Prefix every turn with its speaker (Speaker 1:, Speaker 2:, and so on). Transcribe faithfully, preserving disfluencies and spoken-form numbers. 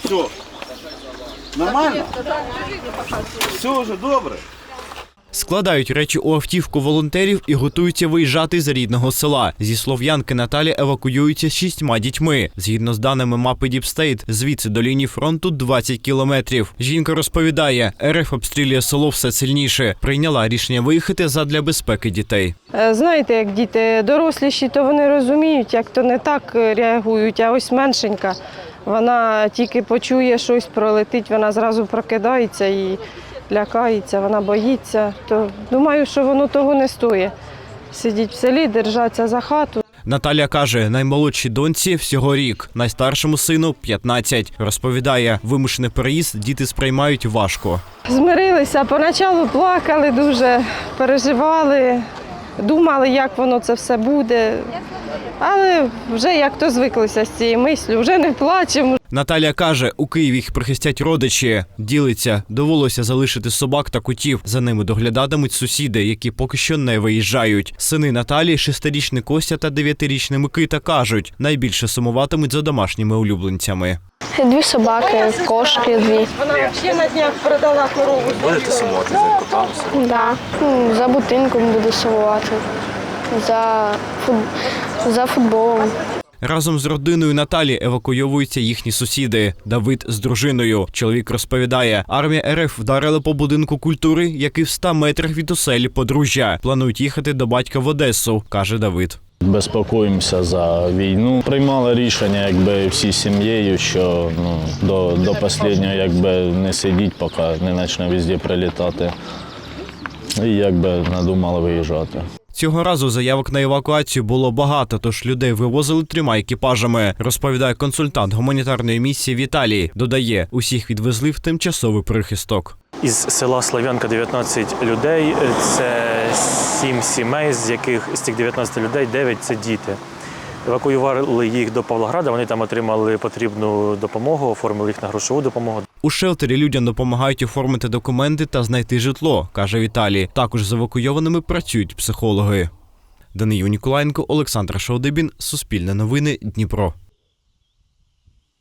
Speaker 1: Все. Нормально? Все вже добре.
Speaker 2: Складають речі у автівку волонтерів і готуються виїжджати з рідного села. Зі Слов'янки Наталя евакуюється з шістьма дітьми. Згідно з даними мапи Діпстейт, звідси до лінії фронту двадцять кілометрів. Жінка розповідає, РФ обстрілює село все сильніше. Прийняла рішення виїхати задля безпеки дітей.
Speaker 3: Знаєте, як діти доросліші, то вони розуміють, як то не так реагують, а ось меншенька. Вона тільки почує щось, пролетить, вона зразу прокидається і лякається, вона боїться. То думаю, що воно того не стоїть. Сидіть в селі, держаться за хату.
Speaker 2: Наталя каже, наймолодшій доньці всього рік, найстаршому сину – п'ятнадцять. Розповідає, вимушений переїзд діти сприймають важко.
Speaker 3: Змирилися, поначалу плакали дуже, переживали, думали, як воно це все буде. Але вже як то звиклися з цією мислю, вже не плачемо.
Speaker 2: Наталя каже, у Києві їх прихистять родичі. Ділиться, довелося залишити собак та котів. За ними доглядатимуть сусіди, які поки що не виїжджають. Сини Наталі, шестирічний Костя та дев'ятирічний Микита, кажуть, найбільше сумуватимуть за домашніми улюбленцями.
Speaker 4: Дві собаки, кошки дві.
Speaker 3: Вона ще на днях продала корову.
Speaker 1: Будете сумувати за котами?
Speaker 4: Да. Ну, за будинком буду сумувати, за, фут... за футболом.
Speaker 2: Разом з родиною Наталі евакуйовуються їхні сусіди. Давид з дружиною. Чоловік розповідає, армія РФ вдарила по будинку культури, який в ста метрах від оселі подружжя. Планують їхати до батька в Одесу, каже Давид.
Speaker 5: Безпокоїмося за війну. Приймали рішення, якби всі сім'єю, що ну, до, до останнього якби не сидіть, поки не почне везде прилітати. І якби надумали виїжджати.
Speaker 2: Цього разу заявок на евакуацію було багато, тож людей вивозили трьома екіпажами, розповідає консультант гуманітарної місії Віталій. Додає, усіх відвезли в тимчасовий прихисток.
Speaker 6: Із села Слов'янка дев'ятнадцять людей, це сім сімей, з яких з цих дев'ятнадцяти людей дев'ять – це діти. Евакуювали їх до Павлограда, вони там отримали потрібну допомогу, оформили їх на грошову допомогу.
Speaker 2: У шелтері людям допомагають оформити документи та знайти житло, каже Віталій. Також з евакуйованими працюють психологи. Данию Ніколаєнко, Олександр Шаудибін, Суспільне новини, Дніпро.